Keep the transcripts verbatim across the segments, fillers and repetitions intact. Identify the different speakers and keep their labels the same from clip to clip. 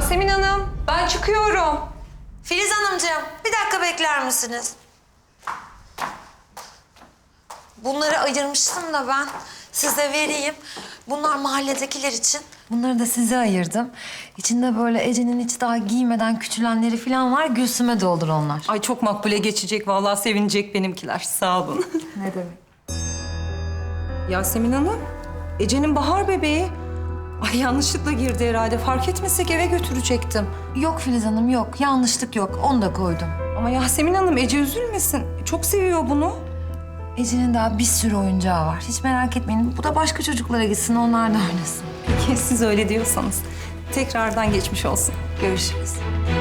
Speaker 1: Yasemin Hanım, ben çıkıyorum.
Speaker 2: Filiz Hanımcığım, bir dakika bekler misiniz? Bunları ayırmıştım da ben size vereyim. Bunlar mahalledekiler için. Bunları da size ayırdım. İçinde böyle Ece'nin hiç daha giymeden küçülenleri falan var. Gülsüm'e doldur onlar.
Speaker 1: Ay çok makbule geçecek, vallahi sevinecek benimkiler. Sağ olun.
Speaker 2: Ne demek?
Speaker 1: Yasemin Hanım, Ece'nin bahar bebeği. Ay yanlışlıkla girdi herhalde. Fark etmesek eve götürecektim.
Speaker 2: Yok Filiz Hanım yok. Yanlışlık yok. Onu da koydum.
Speaker 1: Ama Yasemin Hanım, Ece üzülmesin. Çok seviyor bunu.
Speaker 2: Ece'nin daha bir sürü oyuncağı var. Hiç merak etmeyin. Bu da başka çocuklara gitsin. Onlar da oynasın.
Speaker 1: Peki siz öyle diyorsanız. Tekrardan geçmiş olsun.
Speaker 2: Görüşürüz.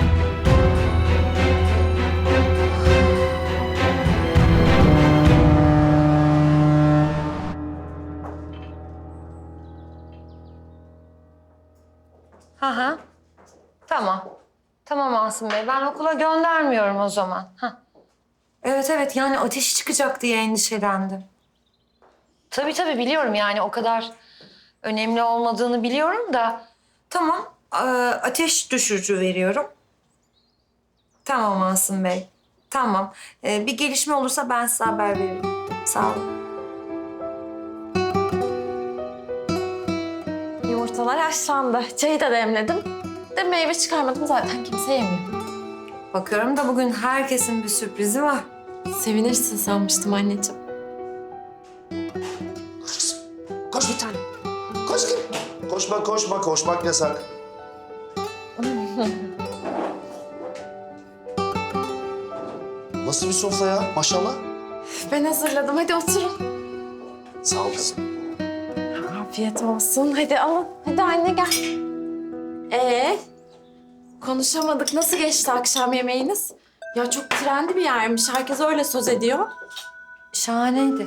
Speaker 2: Hı hı. Tamam. Tamam Asım Bey. Ben okula göndermiyorum o zaman. Hah. Evet evet yani ateşi çıkacak diye endişelendim. Tabii tabii biliyorum yani o kadar önemli olmadığını biliyorum da. Tamam. Ee, ateş düşürücü veriyorum. Tamam Asım Bey. Tamam. Ee, bir gelişme olursa ben size haber veririm. Sağ olun.
Speaker 3: Yumurtalar haşlandı. Çayı da demledim. De meyve çıkarmadım zaten kimse yemiyor.
Speaker 2: Bakıyorum da bugün herkesin bir sürprizi var.
Speaker 3: Sevinirsin sanmıştım anneciğim.
Speaker 4: Koş bir tane. Koş git. Koşma koşma koşmak yasak. Nasıl bir sofra ya maşallah.
Speaker 3: Ben hazırladım. Hadi oturun.
Speaker 4: Sağ ol kızım.
Speaker 3: Afiyet olsun. Hadi alın. Hadi anne gel. Ee, konuşamadık. Nasıl geçti akşam yemeğiniz? Ya çok trendi bir yermiş. Herkes öyle söz ediyor.
Speaker 2: Şahaneydi.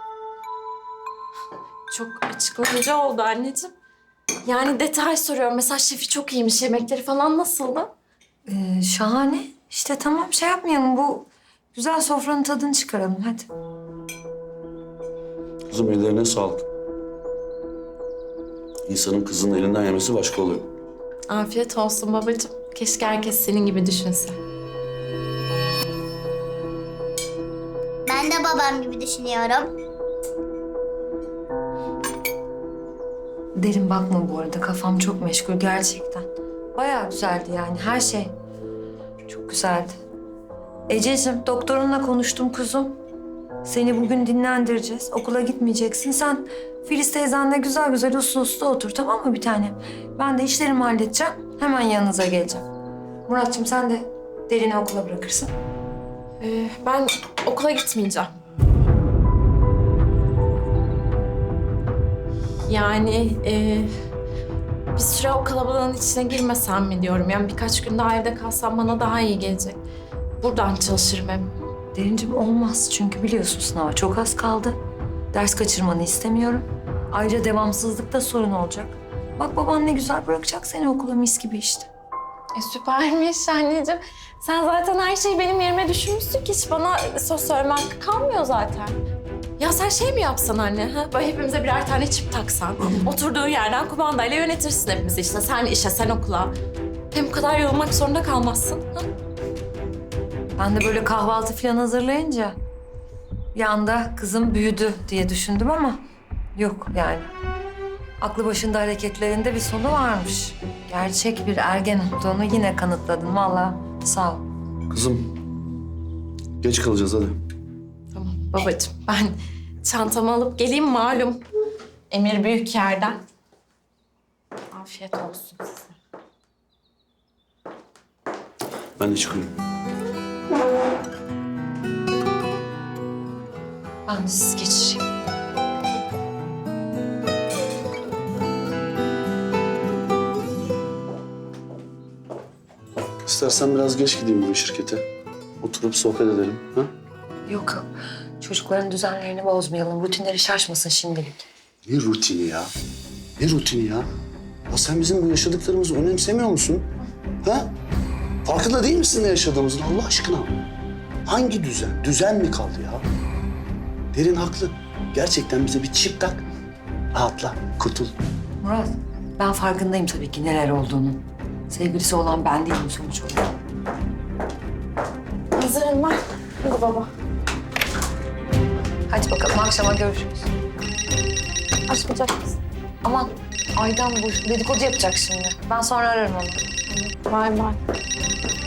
Speaker 3: Çok açıklayıcı oldu anneciğim. Yani detay soruyorum. Mesela şefi çok iyiymiş. Yemekleri falan nasıldı?
Speaker 2: Ee, şahane. İşte tamam şey yapmayalım. Bu güzel sofranın tadını çıkaralım. Hadi.
Speaker 5: Kızım ellerine sağlık. İnsanın kızının elinden yemesi başka oluyor.
Speaker 3: Afiyet olsun babacığım. Keşke herkes senin gibi düşünse.
Speaker 6: Ben de babam gibi düşünüyorum.
Speaker 2: Derin bakma bu arada. Kafam çok meşgul gerçekten. Bayağı güzeldi yani her şey. Çok güzeldi. Ececiğim doktorunla konuştum kuzum. Seni bugün dinlendireceğiz. Okula gitmeyeceksin. Sen Filiz teyzenle güzel güzel uslu uslu otur tamam mı bir tanem? Ben de işlerimi halledeceğim. Hemen yanınıza geleceğim. Muratçığım sen de Derin'i okula bırakırsın.
Speaker 3: Ee, ben okula gitmeyeceğim. Yani e, bir süre o kalabalığın içine girmesem mi diyorum. Yani birkaç gün daha evde kalsam bana daha iyi gelecek. Buradan çalışırım hem.
Speaker 2: Derincim olmaz çünkü biliyorsun sınava çok az kaldı. Ders kaçırmanı istemiyorum. Ayrıca devamsızlıkta sorun olacak. Bak baban ne güzel bırakacak seni okula mis gibi işte.
Speaker 3: E, süpermiş anneciğim. Sen zaten her şeyi benim yerime düşünmüşsün ki hiç bana söz söyleme hakkı kalmıyor zaten. Ya sen şey mi yapsan anne? Ha? Böyle hepimize birer tane çip taksan. Oturduğun yerden kumandayla yönetirsin hepimizi işte. Sen işe, sen okula. Hem bu kadar yorulmak zorunda kalmazsın. Ha?
Speaker 2: Ben de böyle kahvaltı falan hazırlayınca bir anda kızım büyüdü diye düşündüm ama yok yani. Aklı başında hareketlerinde bir sonu varmış. Gerçek bir ergen olduğunu yine kanıtladın vallahi sağ ol.
Speaker 5: Kızım geç kalacağız hadi.
Speaker 3: Tamam babacığım ben çantamı alıp geleyim malum. Emir büyük yerden. Afiyet olsun size.
Speaker 5: Ben de çıkıyorum.
Speaker 2: Ben de sizi geçireyim.
Speaker 5: İstersen biraz geç gideyim bu şirkete. Oturup sohbet edelim. Ha?
Speaker 2: Yok yok. Çocukların düzenlerini bozmayalım. Rutinleri şaşmasın şimdilik.
Speaker 5: Ne rutini ya? Ne rutini ya? Ya sen bizim bu yaşadıklarımızı önemsemiyor musun? Ha? Farkında değil misin ne yaşadığımızın Allah aşkına? Hangi düzen? Düzen mi kaldı ya? Derin haklı. Gerçekten bize bir çip tak. Rahatla, kurtul.
Speaker 2: Murat ben farkındayım tabii ki neler olduğunu. Sevgilisi olan ben değilim sonuç olarak.
Speaker 3: Hazırım ben. Hadi baba.
Speaker 2: Hadi bakalım akşama görüşürüz.
Speaker 3: Açmayacak mısın?
Speaker 2: Aman Aydan bu dedikodu yapacak şimdi. Ben sonra ararım onu.
Speaker 3: Bay bay.